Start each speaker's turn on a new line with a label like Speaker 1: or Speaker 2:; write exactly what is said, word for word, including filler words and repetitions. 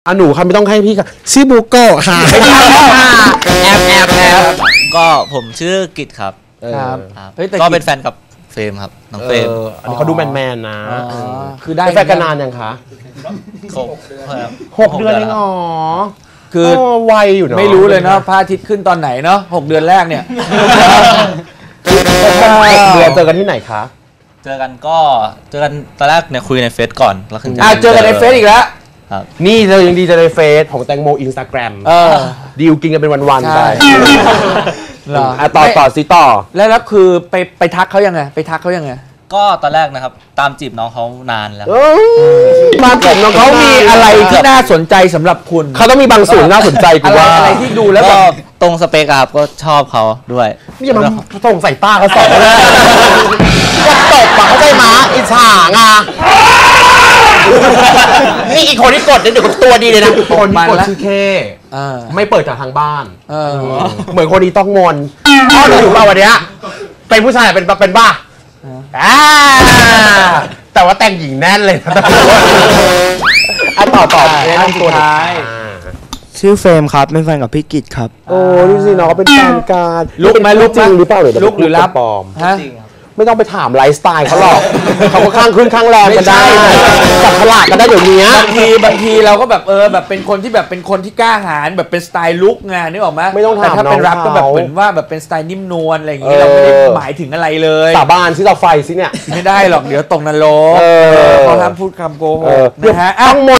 Speaker 1: อ่ะหนูค่ะไม่ต้องให้พี่ค่ะชื่อบุโกะค่ะไม่ได้ค่ะแอบแอบแอบ
Speaker 2: ก็ผมชื่อกิตครับ
Speaker 3: ครับ
Speaker 2: ก็เป็นแฟนกับเฟรมครับน้องเฟรม
Speaker 1: อันนี้เขาดูแมนแมนนะ
Speaker 3: คือได้
Speaker 1: แฟนกันนานยังคะ
Speaker 2: หก
Speaker 1: หกเดือนเองอ๋อ
Speaker 3: คือ
Speaker 1: วัยอยู่เนาะ
Speaker 3: ไม่รู้เลยเนาะพระอาทิตย์ขึ้นตอนไหนเนาะหกเดือนแรกเนี่ย
Speaker 1: เดือนเจอกันที่ไหนคะ
Speaker 2: เจอกันก็เจอกันตอนแรกเนี่ยคุยในเฟซก่อนแล้วถึง
Speaker 3: อ่าเจอกันในเฟซอีกแล้ว
Speaker 1: นี่เจอยังดีเจอในเฟซของแตงโมอินสตาแกรมดีลกินกันเป็นวันๆไปต่อต่อซิต่อ
Speaker 3: แล้วแล้วคือไปไปทักเขายังไงไปทักเขายังไง
Speaker 2: ก็ตอนแรกนะครับตามจีบน้องเขานานแล้ว
Speaker 1: ตามจีบน้อง
Speaker 3: เขามีอะไรที่น่าสนใจสำหรับคุณ
Speaker 1: เขาต้องมีบางส่วนน่าสนใจกูว่า
Speaker 3: อะไรที่ดูแล้วก็
Speaker 2: ตรงสเปกครับก็ชอบเขาด้วย
Speaker 1: นี่อย่ามาส่งใส่ตาเขาสองเลยจะตบปะเขาใจม้าอิจฉาไงนี่อีกคนที่กดเนี่ยเดี๋ยวตัวดีเลยนะคนที่กดชื่อเคไม่เปิดจากทางบ้านเหมือนคนนี้ต้องงอนพ่ออยู่ป่ะวันนี้เป็นผู้ชายเป็นเป็นบ้าแต่ว่าแต่งหญิงแน่นเลยนะอ่ะต่อต่ออันสุดท้าย
Speaker 4: ชื่อเฟรมครับเป็นแฟนกับพี่กิตครับ
Speaker 1: โอ้ดูสิน้องเป็นแฟนกัน
Speaker 3: ลุกไหมลุก
Speaker 1: จริงหรือเปล่าหรือ
Speaker 3: ลุกหรือรับ
Speaker 1: ปลอม
Speaker 3: ฮะ
Speaker 1: ไม่ต้องไปถามไลฟ์สไตล์เขาหรอกเขาก็ข้างขึ้นข้างแรงกันได้จับฉลากกันได้เดี๋ยวนี้
Speaker 3: บางทีบางทีเราก็แบบเออแบบเป็นคนที่แบบเป็นคนที่กล้าหาญแบบเป็นสไตล์ลุกไงนึกออกไหม
Speaker 1: ไม่ต้องถาม
Speaker 3: แต่ถ้าเป็นรับก็แบบเหมือนว่าแบบเป็นสไตล์นิ่มนวลอะไรอย่างเงี้ยเราไม่ได้หมายถึงอะไรเลย
Speaker 1: สาบานที่เราไฟสิเนี่ย
Speaker 3: ไม่ได้หรอกเดี๋ยวตกนรกเขาห้ามพูดคำโกหกนะฮะ
Speaker 1: ต้องหมด